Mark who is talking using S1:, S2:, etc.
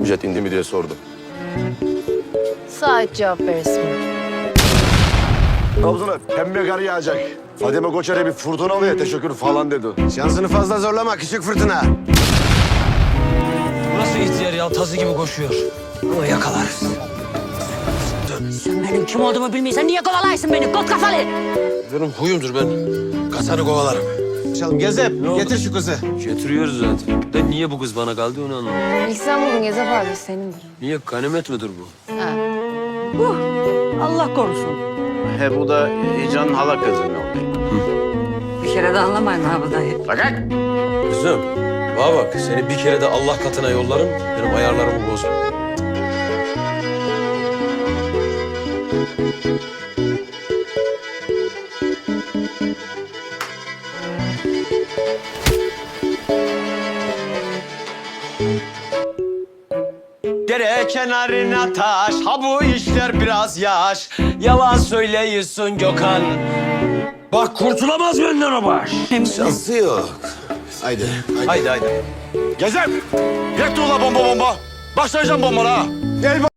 S1: jet indi mi diye sordu.
S2: Sait cevap verirsin.
S1: Trabzon'a pembe kar yağacak. Fadime Koçer'e bir fırtına oluyor, teşekkür falan dedi.
S3: Şansını fazla zorlama küçük fırtına.
S4: Nasıl ihtiyar ya? Tazı gibi koşuyor. Ama yakalarız.
S5: Sen benim kim olduğumu bilmiyorsan niye kovalaysın beni kot kafalı?
S4: Benim huyumdur ben. Kasanı kovalarım.
S3: Çalım Gezep getir şu kızı.
S4: Getiriyoruz zaten. De niye bu kız bana kaldı onu anlamadım.
S2: İlk sen buldun Gezep abi, senindir.
S4: Niye ganimet midir bu?
S2: Ha.
S5: Allah korusun.
S6: He bu da Heyecan'ın hala kızı ne oldu?
S5: Bir kere de anlamayın ha bu dayı.
S6: Fakat
S4: Kızım, bana bak. Seni bir kere de Allah katına yollarım. Benim ayarlarımı bozma.
S7: Dere kenarına taş, ha bu işler biraz yaş. Yalan söyleyiyorsun Gökhan.
S4: Bak kurtulamaz benden o baş.
S3: Şansı yok. Haydi.
S7: Haydi haydi.
S1: Gezem! Yak ula bomba bomba! Başlayacağım bombana ha! Gel